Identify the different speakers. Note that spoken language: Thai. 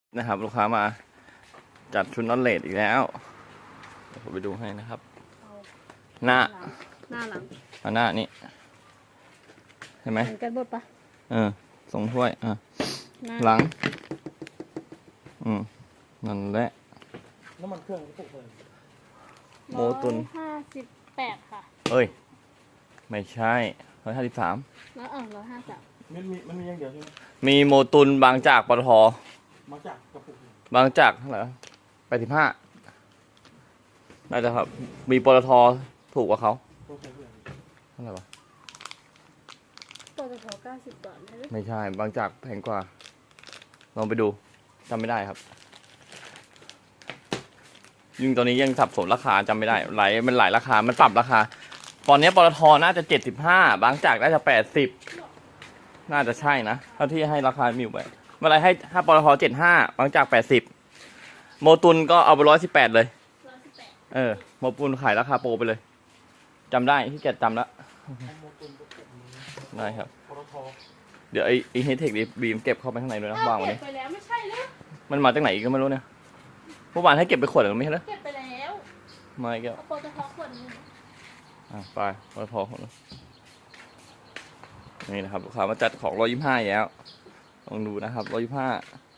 Speaker 1: นะครับลูกค้ามาจัดชุดน็อตเลสอีกแล้วเดี๋ยวผมไปดูให้นะครับ หน้า
Speaker 2: หลัง
Speaker 1: หน้านี่เห็นไหม
Speaker 2: เหมือนกันหมดปะ
Speaker 1: ทรงถ้วยหลังนั่นแหละ
Speaker 3: น้ำมันเครื่องปลุกเลย
Speaker 1: โมตุน
Speaker 2: 158ค่ะ
Speaker 1: เอ้ยไม่ใช่153
Speaker 2: แล้ว153
Speaker 3: มันมีอย่างเดียวใช่ไหม
Speaker 1: มีโมตุนบางจากปตท
Speaker 3: มาจากกระปุก
Speaker 1: บางจากเท่าไหร่85น่าจะครับมีปตทถูกกว่าเขาเท่าไหร่วะ
Speaker 2: ปตท90 บาท
Speaker 1: ไม่ใช่บางจากแพงกว่าลองไปดูจำไม่ได้ครับยิ่งตอนนี้ยังสับสนราคาจำไม่ได้มันหลายราคามันปรับราคาตอนนี้ปตทน่าจะ75บางจากน่าจะ80น่าจะใช่นะเท่าที่ให้ราคามิวไปเมื่อไรให้ถ้าปตท75บางจาก80โมตุนก็เอาไป118เลยโมตุนขายราคาโปรไปเลยจำได้ที่แกจำแล้วได้ครับเดี๋ยวไอ้เฮดเทคบีมเก็บเข้าไปข้างในด้วยนะวางไว้
Speaker 2: ไปแล้วไม่ใช่หรือ
Speaker 1: มันมาจากไหนก็ไม่รู้เนี่ยเมื่อวานให้เก็บไปขวดหรือไม่ใช่เหรอ
Speaker 2: เก็บไปแล้ว
Speaker 1: ไม่เก็บ
Speaker 2: ปตทขวดนึง
Speaker 1: ไปปตทคนนี่นะครับลูกค้ามาจัดของ125แล้วลองดูนะครับ125